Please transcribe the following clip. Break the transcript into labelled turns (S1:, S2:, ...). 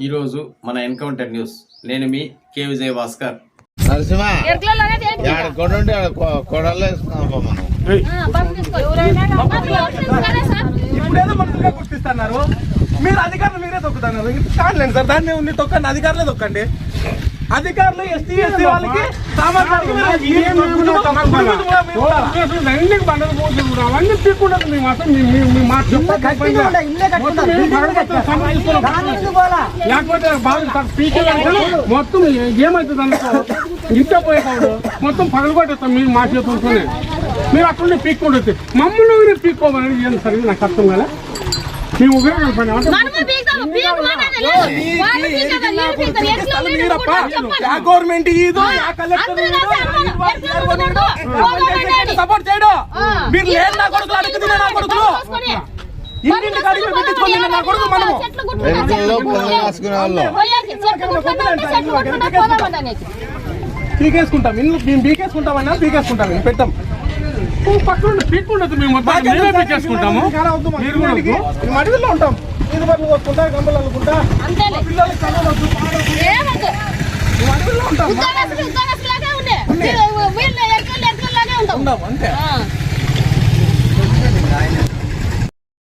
S1: ఈరోజు మన encounter news. నేను మీ కే విజయ్ భాస్కర్.
S2: నరసింహ కొడుంటే కొడలు
S3: ఇప్పుడేదో మనసుగా గుర్తిస్తున్నారు. మీరు అధికారులు మీరే తొక్కుతున్నారు. కాదులేండి సార్, దాన్ని ఉంది తొక్కండి, అధికారులే తొక్కండి. అధికారులు ఎస్టీ ఎస్సీ వాళ్ళకి అవన్నీ తీసుకుంటారు. మేము అసలు లేకపోతే బాగా మొత్తం ఏమవుతుంది అనుకో, ఇంట్లో పోయేవాడు మొత్తం పగలగొట్టేస్తాం. మీరు మా చేతులతోనే మీరు అక్కడే పీక్కుంటుంది. మమ్మల్ని పీక్కోవాలని ఏం సరిగ్గా నాకు అర్థం కదా. మేము ఉపయోగం గవర్నమెంట్ సపోర్ట్ చేయడం. మీరు లేదు నా కొడుకులు అడుగుతుంది, నా కొడుకులు ఇంటింటికి అడిగి పెట్టించుకోండి. నా కొడుకు మనము పీకేసుకుంటాం. మేము పీకేసుకుంటామన్నా పీకేసుకుంటాం. మేము పెట్టాం పక్కన పీక్కుండదు. మేము పీకేసుకుంటాము. అడవిలో ఉంటాం. నీరు పనులు కొట్టుకుంటా, గంపలు అనుకుంటా, పిల్లలకి చదవద్దు, అడవిలో ఉంటాం. అంతే.